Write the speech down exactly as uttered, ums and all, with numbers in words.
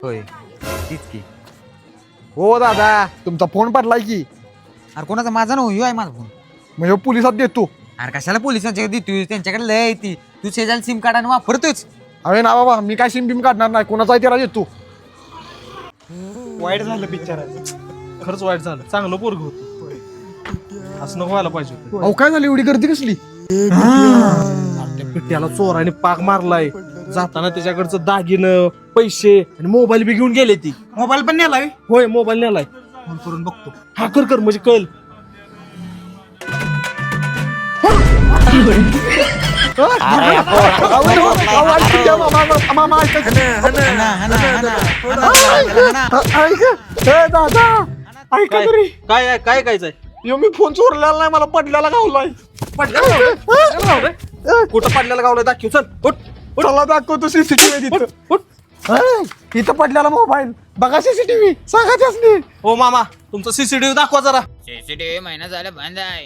होय तीच की. हो दादा तुमचा फोन पडलाय की. अरे कोणाचा माझा ना ह्यो आहे माझा फोन. म्हणजे पोलिसात देतो. अरे कशाला पोलिसांच्या देतोय, त्यांच्याकडे लय आहे ती. तू शेजारी सिम कार्ड आणि वापरतोच. अरे ना बाबा मी काय सिम बिम काढणार नाही, कोणाचा त्याला देतो. वाईट झालं बिचाराचं, खरंच वाईट झालं. चांगलं पोरग होतं, असं नको व्हायला पाहिजे होतं. अहो काय झाली एवढी गर्दी कसली? त्या पिट्याला चोराने पाक मारलाय. जाताना त्याच्याकडचं दागिनं, पैसे आणि मोबाईल बी घेऊन गेले ती. मोबाईल पण नेलाय. होय मोबाईल नेलाय. फोन करून बघतो. हा कर कर म्हणजे कळेल. दादा ऐका काय तरी, काय आहे? काय कायचंय? यो मी फोन चोरलेला नाही, मला पडल्याला गावलाय. कुठं पडलेला गावलाय दाखव. चल उठ उठ चला दाखवतो सीसीटीव्ही उठ तिथं. उठ. अय, इथं पडलेला मोबाईल बघा, सीसीटीव्ही सांगा त्यासनी. हो मामा तुमचा सीसीटीव्ही दाखवा जरा. सीसीटीव्ही महिना झाला बंद आहे.